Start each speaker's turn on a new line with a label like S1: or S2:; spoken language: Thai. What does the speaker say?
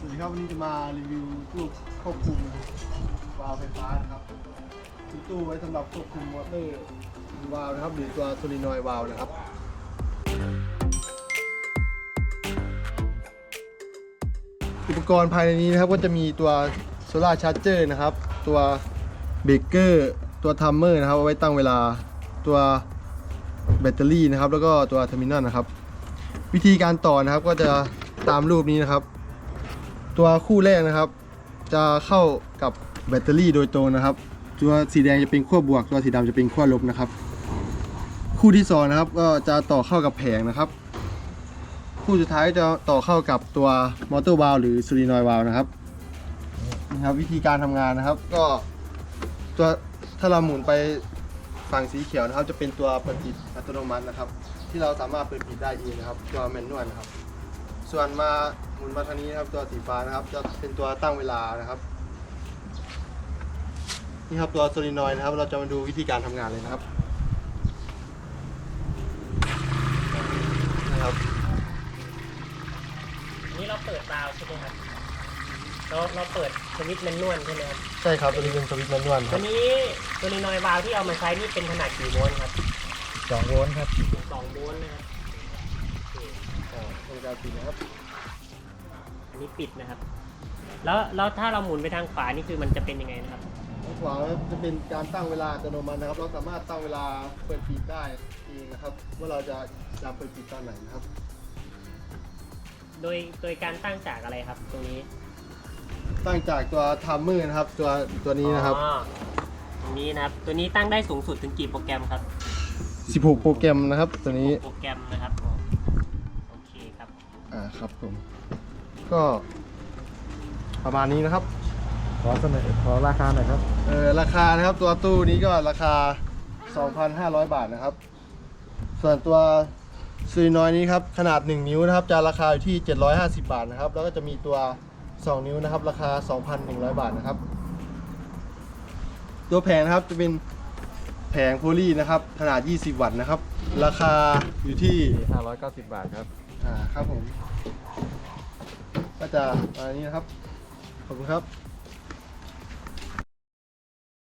S1: สวัสดีครับวันนี้จะมารีวิวตู้ควบคุมวาล์วไฟฟ้านะครับมีตู้ไว้สำหรับควบคุมมอเตอร์วาล์วนะครับหรือตัวโซลินอยด์วาล์วนะครับอุปกรณ์ภายในนี้นะครับก็จะมีตัวโซล่าร์ชาร์จเจอร์นะครับตัวเบรกเกอร์ตัวทัมเมอร์นะครับเอาไว้ตั้งเวลาตัวแบตเตอรี่นะครับแล้วก็ตัวเทอร์มินอลนะครับวิธีการต่อนะครับก็จะตามรูปนี้นะครับตัวคู่แรกนะครับจะเข้ากับแบตเตอรี่โดยตรงนะครับตัวสีแดงจะเป็นขั้วบวกตัวสีดำจะเป็นขั้วลบนะครับคู่ที่2นะครับก็จะต่อเข้ากับแผงนะครับคู่สุดท้ายจะต่อเข้ากับตัวมอเตอร์วาล์วหรือโซลินอยด์วาล์วนะครับวิธีการทำงานนะครับก็ตัวถ้าเราหมุนไปฝั่งสีเขียวนะครับจะเป็นตัวเปิดปิดอัตโนมัตินะครับที่เราสามารถเปิดปิดได้เองนะครับตัวแมนนวลนะครับส่วนมาหมุนมาทางนี้นะครับตัวสีฟ้านะครับจะเป็นตัวตั้งเวลานะครับนี่ครับตัวโซลินอยด์นะครับเราจะมาดูวิธีการทำงานเลยนะครับนะครับ
S2: นี่เราเปิดวาล์วใช่ไหมครับเราเปิดสวิตช์แมนนวลใช่ไหมครับ
S1: ใช่ครับตัวนี้เป็นสวิตช์แมนนวลค
S2: ตั
S1: รั
S2: ว
S1: บ
S2: นี้โซลินอยด์วาล์วที่เอามาใช้นี่เป็นขนาดกี่โวลต์ครับ
S3: 2 โวลต์ครับ
S2: 2 โวลต์นะครับ
S1: ทำการปิดนะครับ
S2: อันนี้ปิดนะครับแล้วถ้าเราหมุนไปทางขวานี่คือมันจะเป็นยังไงนะครับ
S1: ทางขวาจะเป็นการตั้งเวลาอัตโนมัตินะครับเราสามารถตั้งเวลาเปิดปิดได้เองนะครับว่าเราจะเปิดปิดตอนไหนนะครับ
S2: โดยการตั้งจากอะไรครับตรงนี้
S1: ตั้งจากตัวทัมเมอร์นะครับตัวนี้นะครับ
S2: ตรงนี้นะครับตัวนี้ตั้งได้สูงสุดถึงกี่โปรแกรมครับ
S1: 16 โปรแกรมนะครับตัวนี้
S2: โปรแกรมนะครับโอเคครับ
S1: ครับผมก็ประมาณนี้นะครับ
S3: ขอราคาหน่อยครับ
S1: ราคานะครับตัวตู้นี้ก็ราคา 2,500 บาทนะครับส่วนตัวโซลินอยด์นี้ครับขนาด1นิ้วนะครับจะราคาอยู่ที่750 บาทนะครับแล้วก็จะมีตัว2นิ้วนะครับราคา 2,100 บาทนะครับตัวแผงนะครับจะเป็นแผงโพลีนะครับขนาด20 วัตต์นะครับราคาอยู่ที่
S3: 590 บาทครับ
S1: ครับผมก็จะอันนี้นะครับขอบคุณครับ